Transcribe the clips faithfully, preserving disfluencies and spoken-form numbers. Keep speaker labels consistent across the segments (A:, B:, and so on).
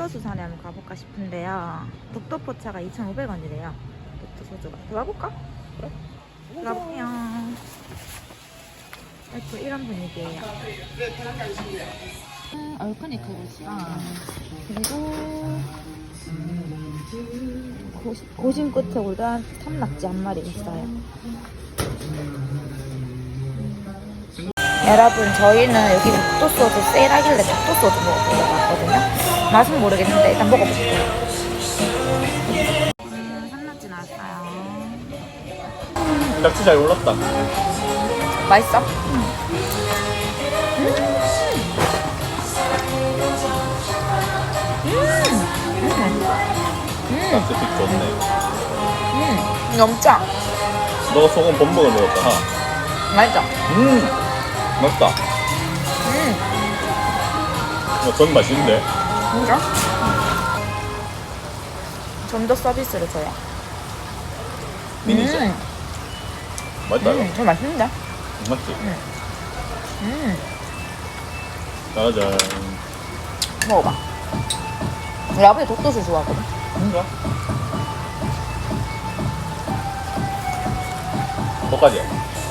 A: 독도수산에 한번 가볼까 싶은데요. 독도포차가 이천오백 원이래요. 독도 소주가. 들어가볼까?
B: 그래?
A: 들어가볼게요. 아이고, 이런 분위기예요. 음, 얼큰이 그릇이랑 그리고 고심, 고심 끝에 올라간 삼낙지 한 마리 있어요. 여러분, 저희는 여기 독도소주 세일하길래 독도소주 먹어보려고 왔거든요. 맛은 모르겠는데 일단 먹어볼게요. 음, 삼낙지 나왔어요.
B: 낙지 잘 올랐다.
A: 맛있어? 음. 음. 음.
B: 낙지 픽 좋네.
A: 음. 너무 짜.
B: 너가 소금 범벅을 먹었다. 하.
A: 맛있어.
B: 음, 맛있다.
A: 음.
B: 어, 전 맛있는데.
A: 진짜? 좀 더 서비스를 줘요.
B: 미니죠.
A: 음.
B: 맛있다.
A: 음,
B: 이거.
A: 저 맛있는데?
B: 맞지?
A: 음. 음.
B: 짜잔.
A: 먹어봐. 우리 아버지 독도수 좋아하거든.
B: 뭔가? 뭐까지?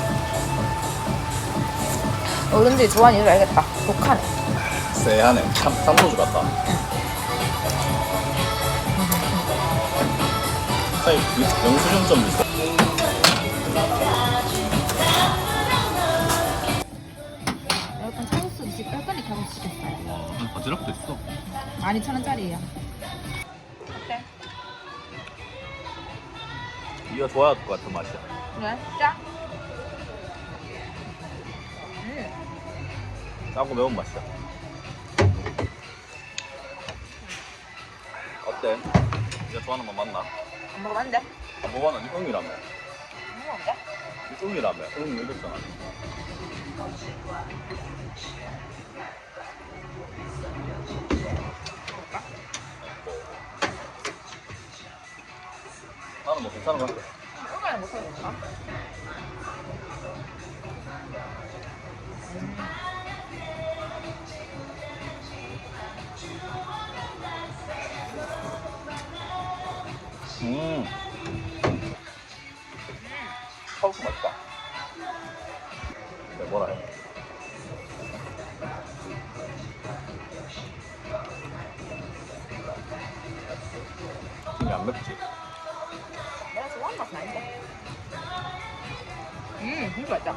A: 어른들이 좋아하는 이유를 알겠다. 독하네.
B: 쎄하네. 참, 삼소주 같다. 사이 영수증 좀 있어.
A: 여러분, 차국수 이십 뺄거니 가고 시켰어요.
B: 와, 한 바지락도 있어.
A: 만 이천 원짜리예요. 어때?
B: 네가 좋아할 것 같은 맛이야.
A: 그래? 짜? 음.
B: 짜고 매운 맛이야. 어때? 네가 좋아하는 맛 맞나?
A: 안 먹어봤는데?
B: 안 먹어봤나? 니 응이라며.
A: 안 먹었는데?
B: 니 응이라며. 응 이랬잖아. 나는 뭐 괜찮은 것 같아.
A: 얼마나 못하겠다.
B: 음. 카우스 맛있다. 네, 뭐라 해? 이게 안 맵지?
A: 내가 좋아하는 맛은 아닌데. 음, 진짜 맛있다.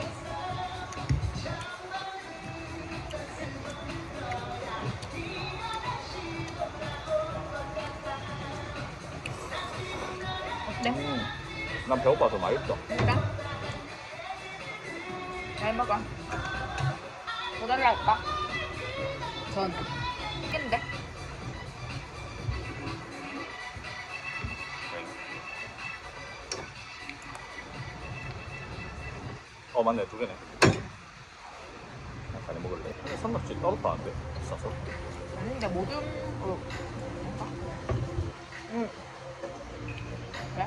A: 어때?
B: 음. 난 배고파서 맛있어.
A: 진짜? 잘 먹어. 더 달라 할까? 전. 맛있겠는데?
B: 어 맞네, 두 개네. 많이 먹을래. 근데 삼각지 따로 파는데 비싸서.
A: 아닌데, 모듬으로. 먹을까? 응. 그래?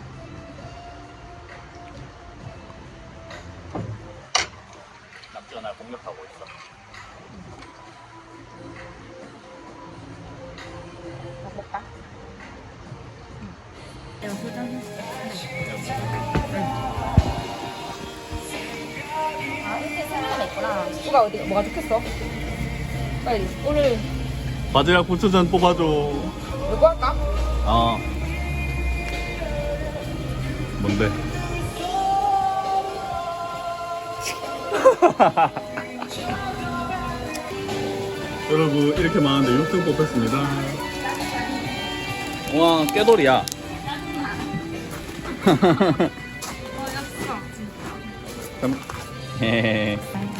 B: 낙지가 날 공격하고 있어.
A: 먹을까? 응. 내가 소장했어. 아, 이렇게 생각나 있구나. 누가 어디, 뭐가 좋겠어? 빨리, 오늘
B: 바지락 부추전 뽑아줘.
A: 이거 할까?
B: 아. 뭔데? 여러분 이렇게 많은데 육 등 뽑혔습니다. 와 깨돌이야. 헤헤헤.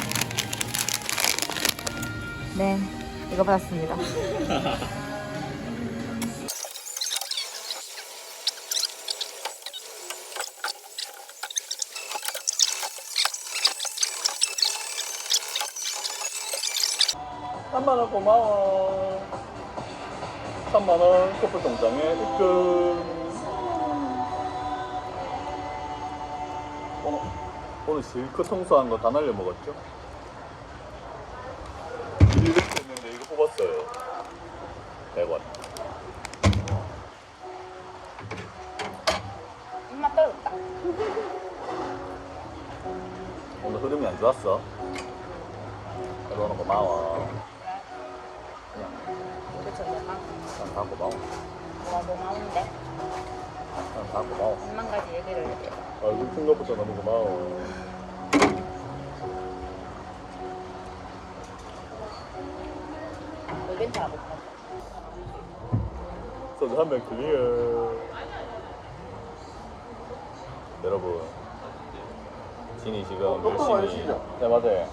A: 네, 이거 받았습니다.
B: 삼만 원 고마워. 삼만 원 커플 통장에 입금. 오늘, 오늘 실컷 청소한 거 다 날려 먹었죠? 일 년 됐는데 이거 뽑았어요. 백 원.
A: 입맛 떨었다.
B: 오늘 흐름이 안 좋았어. 너는 고마워.
A: 그쵸, 내가
B: 난 다 고마워.
A: 뭐가 고마운데?
B: 난 다 고마워.
A: 천만 가지 얘기를 해.
B: 얼굴 큰 것부터 너무 고마워.
A: 이벤트 하고 있어.
B: 소주 한 병 클리어. 여러분, 진이 지금 열심히. 네 맞아요.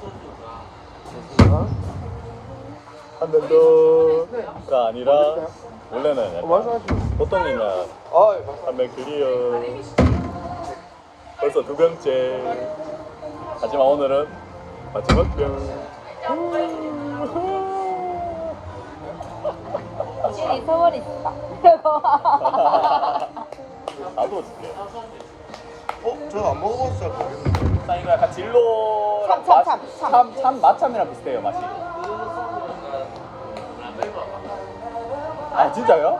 B: 한 병 더가 아니라 원래는 약간 보통이면 한 병 클리어. 벌써 두 병째. 하지만 오늘은 마지막 병.
A: 진이 서울 있어.
B: 나도 줄게.
C: 어? 저 안 먹어봤어요. 모르겠는데.
B: 참 이거 약간 진로
A: 참, 참, 참, 참.
B: 참, 참 마참이랑 비슷해요 맛이. 아 진짜요?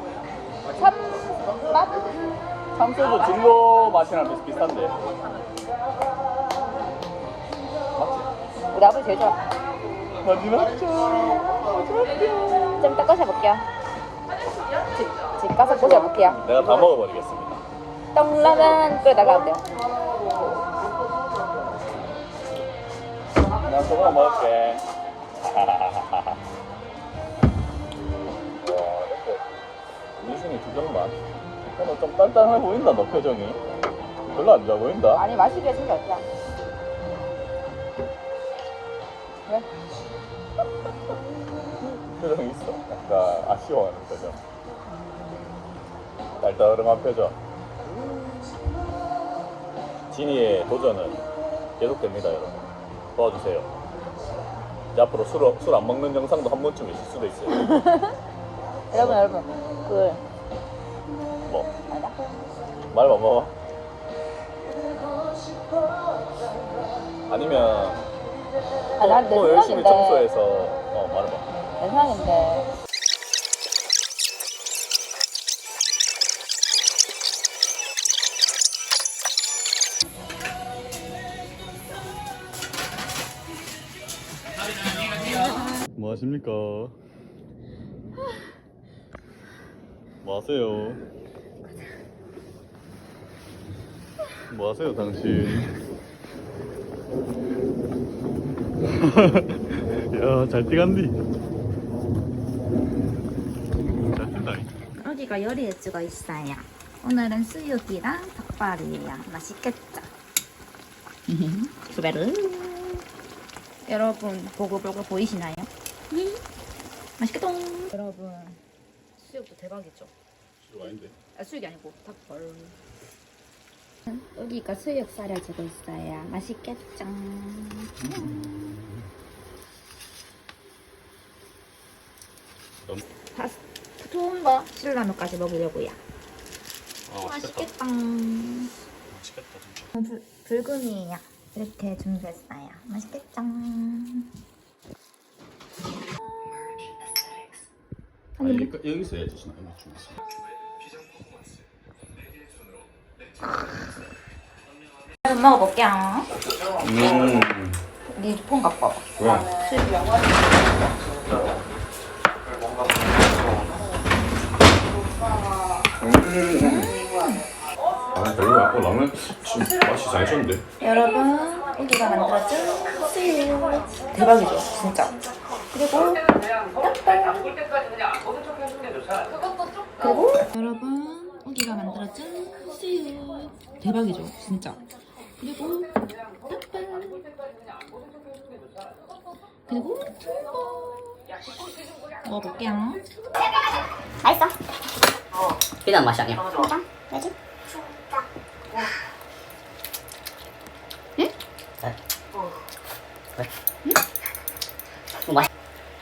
A: 참 맛?
B: 참소주 진로 맛이랑 비슷, 비슷한데. 맞지?
A: 우리 아버지 제일 좋아.
B: 마지막
A: 좀 이따 꺼셔볼게요. 집, 집 가서 꺼셔볼게요.
B: 내가 다 먹어버리겠습니다.
A: 떡라면 끓여다가 안 돼요.
B: 난 소금 먹을게. 와, 이렇게 미순이 두 병만. 너좀 단단해 보인다 너 표정이. 별로 안 좋아 보인다.
A: 아니 마시기가 진짜 어때요? 왜?
B: 표정 있어. 약간 아쉬워하는 표정. 딸따름한 표정. 진이의 도전은 계속됩니다, 여러분. 도와주세요. 이제 앞으로 술, 술 안 먹는 영상도 한 번쯤 있을 수도 있어요.
A: 여러분 여러분 그
B: 뭐?
A: 아니다.
B: 말 뭐 먹어? 아니면
A: 아, 난내
B: 또 열심히
A: 생각인데
B: 청소해서 어 말해봐.
A: 내 생각인데
B: 뭐 하십니까? 뭐 하세요? 뭐 하세요 당신? 야, 잘 뛰간디. 잘 뛴다.
A: 여기가 요리해주고 있어요. 오늘은 수육이랑 닭발이에요. 맛있겠죠? 수베르. 여러분 보글보글 보이시나요? 맛있겠다. 여러분 수육도 대박이죠?
B: 수육 아닌데?
A: 아, 수육이 아니고 닭발. 여기가 수육 썰어주고 있어요. 맛있겠죠? 파스 좋은 거 신라면까지 먹으려고요.
B: 아,
A: 맛있겠다.
B: 맛있겠다 진짜.
A: 불, 불금이에요. 이렇게 준비했어요. 맛있겠죠?
B: 아니, 여기, 여기서 해야지 신나. 여기 중에서.
A: 한번 먹어볼게요.
B: 음.
A: 니폰 갖고 와봐.
B: 왜?
A: 수육.
B: 아, 별로 아까 라면 지금 맛이 잘 쳤는데.
A: 여러분, 여기가 만들어준 수육. 대박이죠, 진짜. 그리고 닭발. 그리고 여러분, 여기가 만들어준 수육. 대박이죠, 진짜. 그리고 닭발. 그리고 햄버. 먹어볼게요. 맛있어.
D: 그냥 맛이 아니야.
A: 진짜? 왜지?
D: 왜? 응? 맛.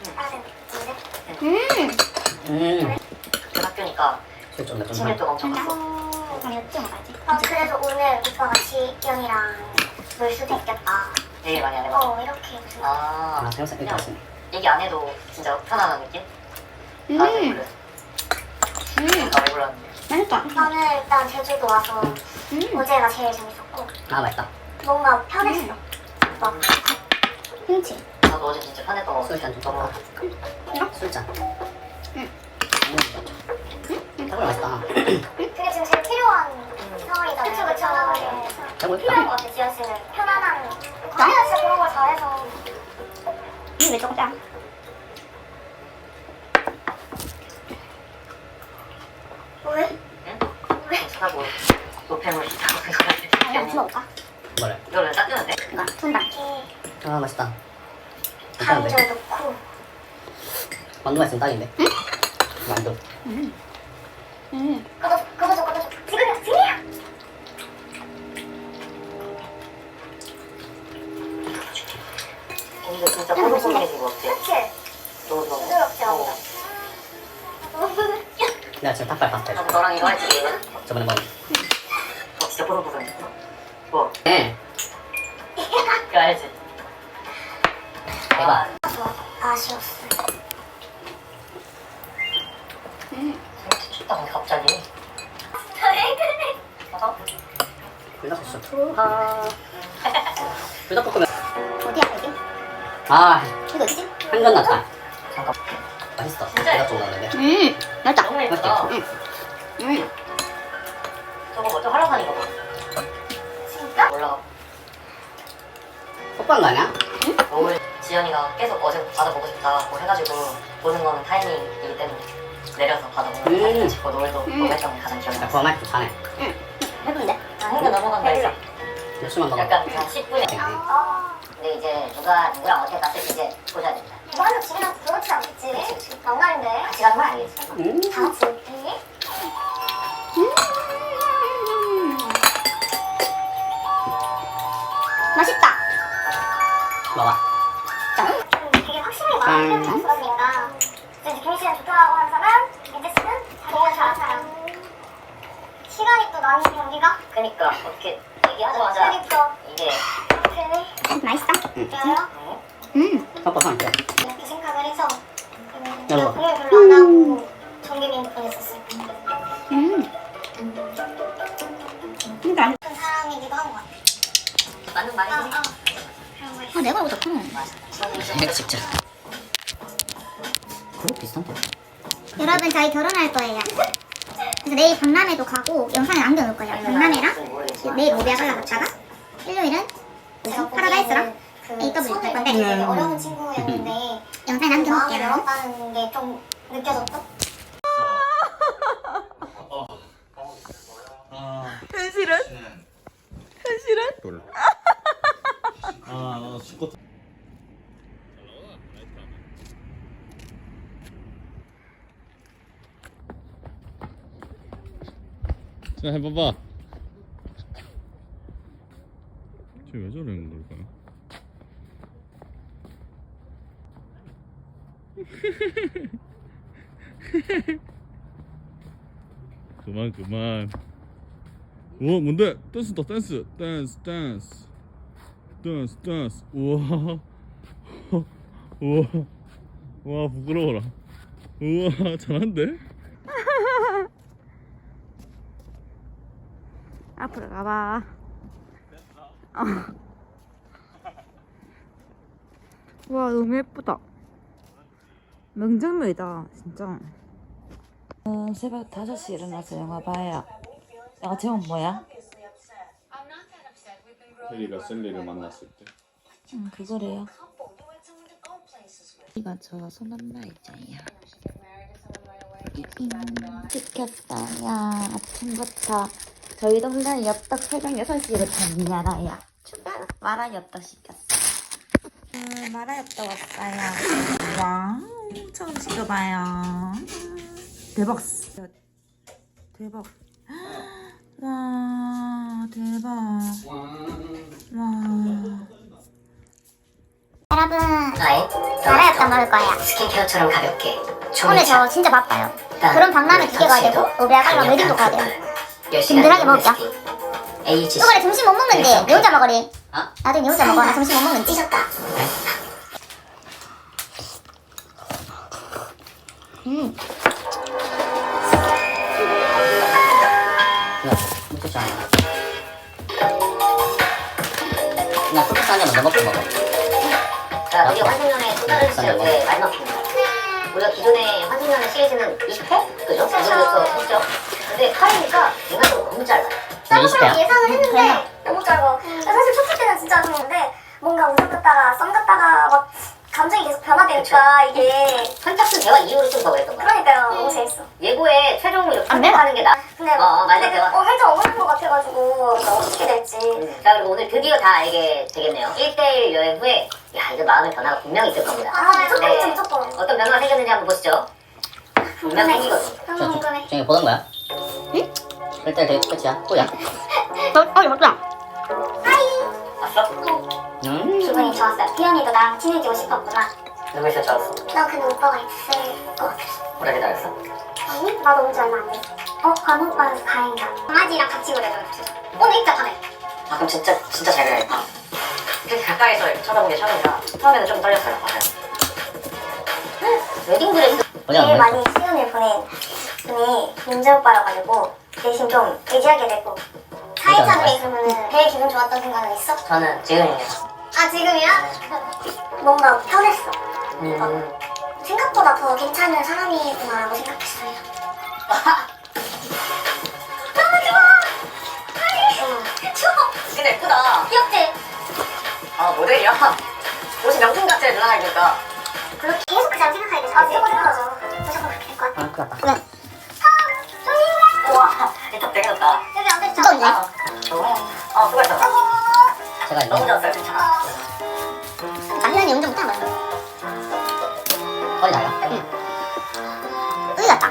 A: 음.
D: 음. 학교니까 술좀 몇
E: 집에 또 엄청 갔어.
A: 아니, 어찌 먹어야지.
E: 아, 그래서 오늘 오빠가 지영이랑 놀 수도 있겠다.
D: 얘기 많이 안 해봐.
E: 어, 이렇게 무슨.
D: 아, 생각 이렇게 하시네.
E: 얘기 안 해도 진짜 편안한 느낌?
D: 나도 몰랐어.
A: 음.
D: 나도 몰랐는데.
A: 맛있다.
E: 나는 일단 제주도 와서
A: 음.
E: 어제가 제일 재밌었고
D: 아 맛있다.
E: 뭔가 편했어. 막
A: 김치.
D: 나도 어제 진짜 편했던 거. 술잔 좀 떠먹어. 술잔.
A: 응.
D: 정말 맛있다.
E: 그게 지금 제일 필요한 상황이잖아요. 그쵸 그쵸.
D: 정말
E: 필요한 것 같아 지연 씨는. 편안한. 아니야 진짜 그런 걸 잘해서.
A: 이왜 조금 짠?
E: 왜?
D: 응? 왜? 사고 노폐물 있다고
A: 아니야 같이 먹을까?
D: 뭐래? 이거를 딱 뜨는데?
A: 이거 분당.
E: 이렇게
D: 아 맛있다.
E: 간절 넣고.
D: 만두가 있으면 딱인데? 응? 만두.
A: 음. 음.
E: 꺼져 꺼져 꺼져. 지금이야 지금이야.
D: 근데 진짜 포도송이지 뭐 없지?
E: 그치?
D: 너무 좋아.
E: 부드럽지 않아?
D: 어.
E: 너무
D: 내가 지금 닭발 파스타 해줄게. 너랑 이거 할지. 저번에 먹은. 어 진짜 포송포송. 뭐? 네. 이거 알지? 대박.
E: 아쉬웠어.
A: 음.
D: 춥다 근데 갑자기.
E: 왜 그래?
D: 어? 불닭국수 투하. 불닭볶음면.
A: 어디야 여기?
D: 아
A: 이거 어디지?
D: 한건 났다. 잠깐. 맛있어.
E: 진짜요?
D: 내가 좀 넣었는데.
A: 음. 맛있다.
D: 너무 예쁘다.
A: 응. 음.
D: 저거 먼저 하라산인가 봐.
E: 진짜?
D: 몰라. 뽀뽀한 거 아니야? 응? 오늘 지연이가 계속 어제 바다 보고 싶다고 해가지고 보는 거는 타이밍이기 때문에 내려서 바다 보는 거 사진 찍고 노을도 보고 했던 게 가장 기억이 나. 그거 말고 자네.
A: 응. 해본데?
D: 아, 행겨 넘어간다 했어. 몇 수만 먹어. 약간 그냥 십 분에.
E: 아.
D: 근데 이제 누가 누구랑 어떻게 갔을지 이제 보셔야 됩니다.
E: 뭐 하면 집이랑 그렇지 않겠지? 막날인데.
D: 같이 가는 건 아니겠지? 음.
E: 다 같이 이렇게.
A: 음. 맛있다.
D: 먹어.
E: 좀 되게 확실히 마음이 좀 없어지니까 이제 김희 씨는 좋다고 하는 사람, 민재 씨는 자기가 잘하는 사람. 시간이 또 나는 경기가?
D: 그니까 어떻게 얘기하자마자
E: 그니까
D: 이게
E: 그래.
A: 맛있다.
E: 그래요?
A: 음.
D: 섞어서 할게.
E: 이렇게 생각을 해서 음,
D: 여보.
E: 내가 공연 별로 안 하고 정규빈 보냈었어요.
A: 음. 그러니까
E: 큰 사람이기도 한 것 같아.
D: 맞는
E: 아,
D: 말이지.
E: 아. 그런 거 있어.
A: 아 내가 오졌구나.
D: 이거 진짜. 그거 비슷한데.
E: 여러분 저희 결혼할 거예요. 그래서 내일 박람회도 가고 영상에 남겨놓을 거예요. 박람회랑 내일 모비아 갔다가 일요일은 파라다이스랑 에이더블유 갈 건데 되게 어려운 친구였는데 영상에 남겨놓을게요. 마음이 열었다는 게 좀 느껴졌죠?
A: 현실은? 현실은?
C: 아 죽겠다.
B: 자 해봐봐. 쟤왜 저러는 걸까요? 그만 그만. 우와 뭔데? 댄스다 댄스 댄스 댄스 댄스 댄스. 우와 우와 와 부끄러워라. 우와 잘한데?
A: 앞으로 가봐. 어. 와 너무 예쁘다. 명장면이다 진짜. 어, 새벽 다섯 시에 일어나서 영화 봐요. 영화 제목 뭐야?
B: 해리가 셀리를 만났을 때.
A: 응 그거래요. 이거 저 손엄마 있잖아요. 음, 시켰다. 야 아침부터 저희 동네 엽떡 새벽 여섯 시부터 말아야 추가 마라 엽떡 시켰어. 음, 마라 엽떡 왔어요. 와우 처음 시켜봐요. 대박. 대박. 와 대박. 와.
E: 여러분
D: 나의
E: 마라 엽떡 먹을 거예요.
D: 스킨케어처럼 가볍게.
E: 오늘 저 진짜 바빠요. 그런 박람회 두 개 가야 되고 모비아 가려면 웨딩도 가야 돼요. 든든하게 먹을게요.
D: 에이지.
E: 이번에 점심 못 먹는데 내 혼자 먹으리.
D: 어?
E: 나중에 내 혼자 먹어. 나 점심 못 먹는데. 삐졌다.
A: 음.
F: 이거 무척 좋아해. 그냥 소스 한 잔만 더 먹고 먹어.
D: 자, 우리가 환승연애 또 다른 시리즈의 마지막 편입니다. 우리가 기존의 환승연애 시리즈는 이십 회? 그죠? 그 정도에서 했죠? 근데 팔이니까 인간적으로 너무 짧아요.
F: 네, 이십 회야?
E: 예상을 했는데 너무 짧아. 사실 첫 때는 진짜 좋은데 뭔가 웃음 같다가 썸 같다가 막 감정이 계속 변화되니까 이게
D: 선착순 대화 이후로 좀 더 그랬던 거야.
E: 그러니까요. 너무 재밌어.
D: 예고에 최종으로 이렇게
A: 안 돼요.
D: 선택하는 게 나.
E: 근데
D: 어, 맞아,
E: 되게
D: 대화.
E: 어, 살짝 억울한 것 같아가지고 어떻게 될지.
D: 음, 자, 그리고 오늘 드디어 다 알게 되겠네요. 일 대일 여행 후에 야, 이거 마음의 변화가 분명히 있을 겁니다.
E: 아, 무조건
D: 네.
E: 있죠, 무조건.
D: 어떤 변화가 생겼는지 한번 보시죠. 분명 생기거든.
E: 너무
F: 저,
E: 궁금해.
F: 저, 저기 보던 거야? 응? 일단 되게 끝이야. 뭐야?
A: 어, 이거 맞다.
D: 봤어?
F: 음.
E: 기분이 좋았어요. 피언이도 나랑 친해지고 싶었구나.
D: 누구 있을 줄 알았어?
E: 나 근데 오빠가 있을 것 같았어.
D: 오래 기다렸어?
E: 아니, 나도 온 지 얼마 안 됐어. 어, 관 오빠는 다행이다. 강아지랑 같이 그래도 오늘 입자 밤에.
D: 아, 그럼 진짜, 진짜 잘 그려야겠다. 이렇게 가까이서 쳐다본 게 처음이라 처음에는 좀 떨렸어요. 맞아요. 웨딩드레스
F: 어제 안
E: 제일
F: 보냈어?
E: 많이 시간을 보낸 분이 민재 오빠라 가지고 대신 좀 의지하게 되고 사회자들이 그러면은 제일 기분 좋았던 순간은 있어?
D: 저는 지금이에요.
E: 아 지금이야? 뭔가 편했어.
D: 음.
E: 생각보다 더 괜찮은 사람이구나라고 생각했어요. 너무 좋아. 아니 좋아.
D: 근데 예쁘다.
E: 귀엽지?
D: 아, 모델이야? 옷이 명품 같아, 누나가 입으니까.
E: 그렇게 계속 그냥 생각하게 돼서 아 무조건 생각하죠. 무조건 그렇게 될 것 같아.
F: 아, 큰일 났다.
E: 왜? 아,
D: 우와, 이탑 되게 좋다.
E: 여기 안 되지 않아?
D: 아, 아, 수고했어.
F: 제가
D: 너무
F: 이거
D: 좋았어요, 진짜.
E: 남편이 운전 못하는 거야.
F: 허리 달라.
E: 으이 같다.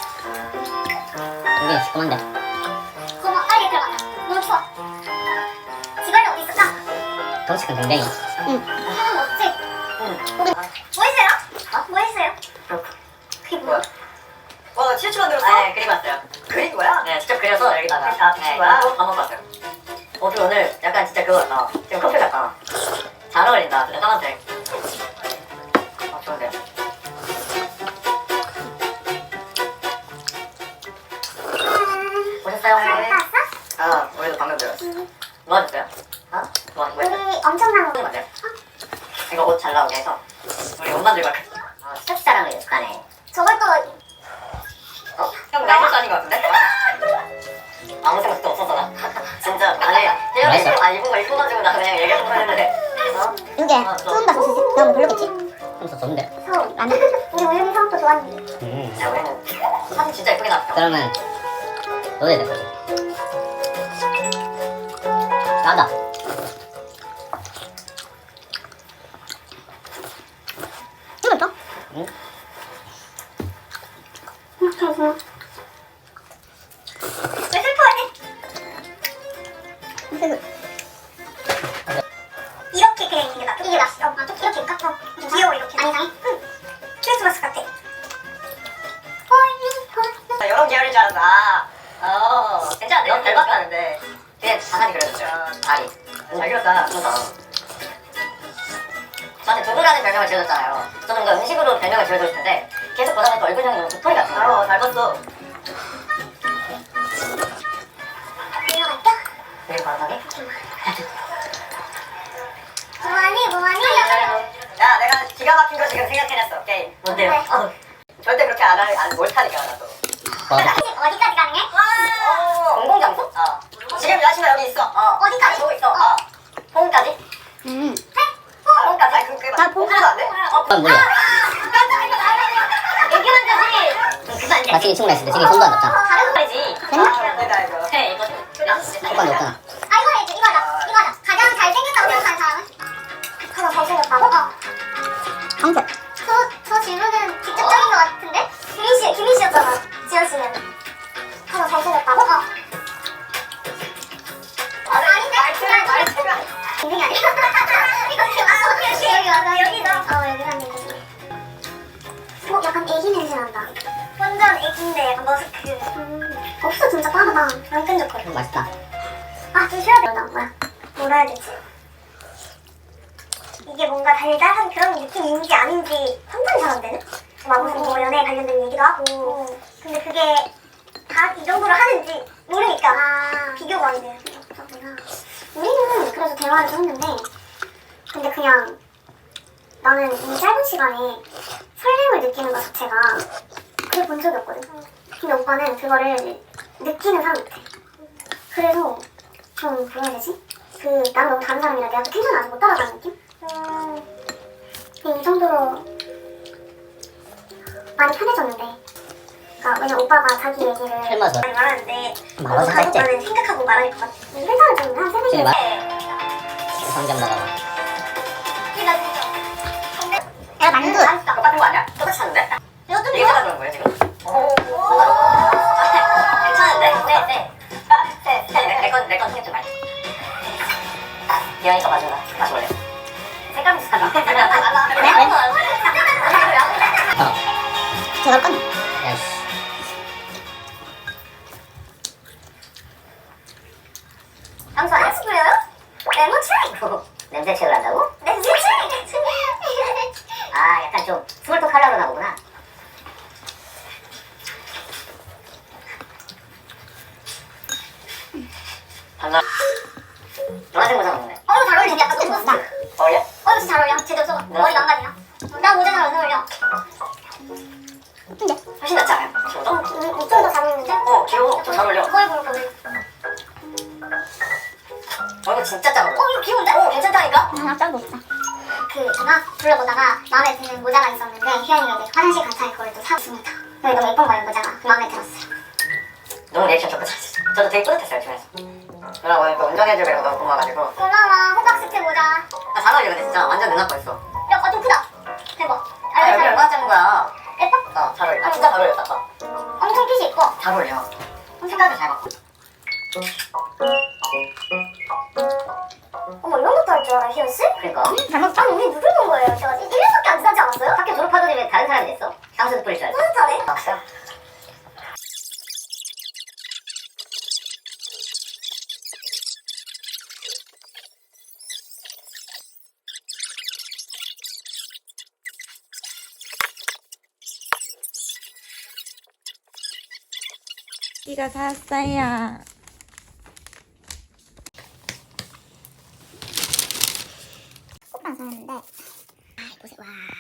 F: 여기 시커먼데.
E: 고마 빨리 들어가자. 너무 추워. 지발이 어디 있을까?
F: 덩치 큰 댕댕이.
E: 아 없지?
D: 응.
E: 우리 뭐 했어요? 어? 뭐 했어요? 그게 뭐야?
D: 와, 칠추 만들었어? 네, 그림 왔어요. 그린 거야? 네, 직접 그려서 여기다가. 아, 네, 거야? 밥 먹고 왔어요. 어, 그 오늘 약간 진짜 그거 같다. 지금 커플 같다. 잘 어울린다, 진짜 까만색. 아, 좋은데요? 보셨어요,
E: 잘
D: 오늘?
E: 봤어?
D: 아, 우리도 방금 들었어. 뭐 하셨어요? 어? 뭐 하신 거예요?
E: 우리 엄청난
D: 이거
E: 거.
D: 맞아요? 이거 옷 잘 나오게 해서 우리 옷 만들고 할게요. 아, 스타일하는 게 연습하네.
E: 저걸 또
D: 어? 형 나이스 아닌 것 같은데? 아무 생각도 없었어 나. 진짜 아니 태영이
F: 나이스.
D: 아 입은 거 입고 가지고 나 그냥 얘기하는 거 했는데 어?
E: 이게
D: 아, 저-
E: 처음 봤어. 너무 별로겠지?
F: 좀 좋은데.
E: 서울 안 해. 우리 우리 성도 좋았는데.
F: 음.
D: 야 우리는 사진 진짜 예쁘게 나왔어.
F: 그러면 너도 해야 될 거지. 나다.
E: 이거 또?
F: 응?
E: 왜 슬퍼해? 이렇게 그냥 있는 게 낫다. 이게 낫어. 어, 좀 이렇게 깎아. 좀 귀여워 이렇게. 안 이상해? 응. 크리스마스 같아.
D: 나 이런 계열인 줄 알았어. 아, 어 괜찮은데? 너무 잘 봤다는데 그냥 다산이 그려줬어요. 다리. 잘 그렸다. 그렇다. 저한테 두부라는 별명을 지어줬잖아요. 저는 뭔가 음식으로 별명을 지어주고 싶은데 계속 보다 보니까 얼굴형이 너무 도토리 같은 거예요. 어, 잘 봤어.
E: 들어갈까?
D: 그리고 바람이
E: 뭐하니 뭐하니?
D: 야, 내가 기가 막힌 거 지금 생각해냈어. 게임. 뭔데요?
E: 네.
D: 어, 절대 그렇게 안 할, 안, 못하니까, 나도.
F: 맞아.
E: 어디까지 가능해?
D: 어, 공공장소? 어. 지금 여자친구 여기 있어. 어.
E: 어디까지?
D: 보고 있어. 어. 홈까지?
A: 음.
D: 아, 홈까지? 아니, 그, 그게
E: 나
D: 홈까지도 안 돼? 어,
F: 그건 뭐야?
D: 얘기만 되지. 그거 안 돼.
F: 마치기 충분했을 때 지금 손도 안 잡잖아.
D: 다른 거지.
E: 됐나?
D: 내가 이거. 해, 이거.
F: 손도 안 잡잖아.
E: 아 이거 해줘 이거 하자 이거 하자. 가장 잘생겼다고 생각하는 사람은? 가장 잘생겼다고? 어.
A: 황색.
E: 저, 저 질문은 직접적인 것 같은데? 김민 씨, 김민 씨였잖아. 지현 씨는. 가장 잘생겼다고? 어.
D: 아니,
E: 아닌데?
D: 말투를, 말투를.
E: 인생이 아니야? 이거 지금 여기 와서 여기도. 어, 여기 사는 거지. 어, 약간 애기 냄새 난다. 완전 애기인데 약간 머스크. 음, 없어, 진짜 빠르다. 안 끈적거려.
F: 음, 맛있다.
E: 아, 좀 쉬어야 된다. 뭐야? 뭐라 해야 되지? 이게 뭔가 달달한 그런 느낌인지 아닌지 판단이 잘 안 되네? 막 무슨 뭐 연애 관련된 얘기도 하고. 근데 그게 다 이 정도로 하는지 모르니까 아, 비교가 안 돼요. 그렇구나. 우리는 그래서 대화를 좀 했는데 근데 그냥 나는 이 짧은 시간에 설렘을 느끼는 것 자체가 그걸 본 적이 없거든. 근데 오빠는 그거를 느끼는 사람 같아. 그래서 좀 뭐라 해야 되지? 그 나는 너무 다른 사람이라 내가 그 텐션을 아직 못 따라가는 느낌? 음... 이 정도로 많이 편해졌는데 그러니까 왜냐면 오빠가 자기 얘기를
F: 헬마서
E: 많이 말하는데
F: 말하지
E: 너도
F: 말지.
E: 오빠는 생각하고 말할 것 같아. 회사를 좀한 세네
F: 제일
E: 개
F: 말- 상점 나가봐.
E: 내가 만두
D: 똑같은 거 아니야? 똑같이 샀는데?
E: 이것도
D: 이게 제가 그런 거예요 지금? 괜찮은데? 네, 네. 네, 네. 내건 내건 생각 좀 많이. 기아니까 마셔라. 마셔볼래? 색감 비슷하다.
E: 네?
F: 어.
E: 제가 건
F: 야이씨.
E: 향수 안 뿌려요? 레몬 트레이
D: 냄새 체크를 한다고?
E: 냄새 트레이
D: 아, 약간 좀 스몰톡 하려고 나 보구나. 반가. 노란색 모자 먹네.
E: 어 이거 잘 어울리네. 약간 좀 멋있다.
D: 어울려?
E: 어 이거 진짜 잘 어울려. 제대로 써. 머리 망가지나? 나 모자 잘 안 어울려. 근데
D: 훨씬 낫지 않아요?
E: 어,
D: 저보다?
E: 이쪽이 더 잘 어울리는데?
D: 어, 귀여워. 좀 잘 어울려.
E: 거울 볼 거면
D: 어, 이거 진짜 잘 어울려.
E: 어 이거 귀여운데?
D: 어, 괜찮다니까?
E: 하나 짱 높다. 그 제가 둘러보다가 마음에 드는 모자가 있었는데 희연이가 이제 화장실 간 차에 그걸 또 사왔습니다. 여기 너무 예쁜 거예요 모자가. 마음에 들었어요.
D: 너무 리액션 좋고 잘했어. 저도 되게 뿌듯했어요, 주면서. 누나 오늘 또 운전해주기로 너무 고마워가지고.
E: 고마워. 호박 스프 모자.
D: 아, 잘 어울려, 근데 진짜. 완전 누나 거 있어.
E: 야, 어, 좀 크다. 대박.
D: 아, 여기 얼마나 짜는 거야?
E: 예뻐?
D: 어, 잘 어울려. 아, 진짜 잘 어울렸다, 봐.
E: 엄청 핏이 예뻐.
D: 잘 어울려. 색깔도 잘 맞고.
E: 어머 이런 것도 할 줄 알아 희연 씨?
D: 그니까.
E: 잘못 아니 우리 누굴 본 거예요? 저 일 년밖에 안 지나지 않았어요?
D: 학교 졸업하더니 왜 다른 사람이 됐어? 향수도 뿌릴 줄 알지?
E: 뿌듯하네.
D: 아, 진짜?
A: 이가 샀어요.
E: 꽃만 사는데 아 보세요 와